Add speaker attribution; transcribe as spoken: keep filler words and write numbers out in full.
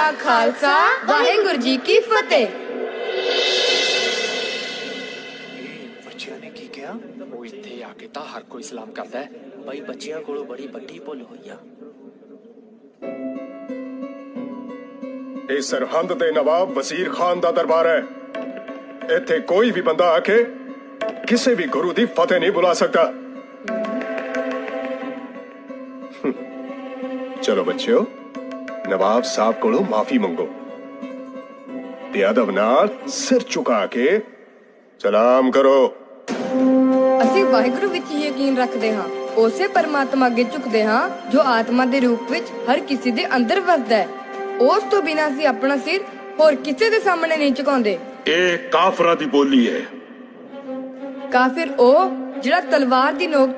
Speaker 1: ਕਾ ਖਾਲਸਾ, ਵਾਹਿਗੁਰੂ ਜੀ ਕੀ ਫਤਿਹ।
Speaker 2: ਬੱਚਿਆਂ ਨੇ ਕੀ ਕਿਹਾ?
Speaker 3: ਉਹ ਇੱਥੇ ਆ ਕੇ ਤਾਂ ਹਰ ਕੋਈ ਸਲਾਮ ਕਰਦਾ ਹੈ।
Speaker 2: ਬਈ ਬੱਚਿਆਂ ਕੋਲੋਂ ਬੜੀ ਵੱਡੀ ਭੁੱਲ ਹੋਈ ਆ।
Speaker 4: ਇਹ ਸਰਹੰਦ ਦੇ ਨਵਾਬ ਵਜ਼ੀਰ ਖਾਨ ਦਾ ਦਰਬਾਰ ਹੈ। ਇੱਥੇ ਕੋਈ ਵੀ ਬੰਦਾ ਆ ਕੇ ਕਿਸੇ ਵੀ ਗੁਰੂ ਦੀ ਫਤਿਹ ਨਹੀਂ ਬੁਲਾ ਸਕਦਾ। ਚਲੋ ਬੱਚਿਓ, ਨਵਾਬ ਸਾਹਿਬ ਕੋਲੋਂ ਮਾਫੀ ਮੰਗੋ ਤੇ ਅਦਬ ਨਾਲ ਸਿਰ ਝੁਕਾ ਕੇ ਸਲਾਮ ਕਰੋ।
Speaker 1: ਅਸੀਂ ਵਾਹਿਗੁਰੂ ਵਿੱਚ ਹੀ ਯਕੀਨ ਰੱਖਦੇ ਹਾਂ, ਉਸੇ ਪਰਮਾਤਮਾ ਅੱਗੇ ਝੁਕਦੇ ਹਾਂ ਜੋ ਆਤਮਾ ਦੇ ਰੂਪ ਵਿੱਚ ਹਰ ਕਿਸੇ ਦੇ ਅੰਦਰ ਵਸਦਾ ਹੈ। ਉਸ ਤੋਂ ਬਿਨਾਂ ਅਸੀਂ ਆਪਣਾ ਸਿਰ ਹੋਰ ਕਿਸੇ ਦੇ ਸਾਹਮਣੇ ਨਹੀਂ ਝੁਕਾਉਂਦੇ।
Speaker 5: ਇਹ ਕਾਫਰਾਂ ਦੀ ਬੋਲੀ ਹੈ।
Speaker 1: ਕਾਫਿਰ ਉਹ ਜਿਹੜਾ ਤਲਵਾਰ ਦੀ ਨੋਕ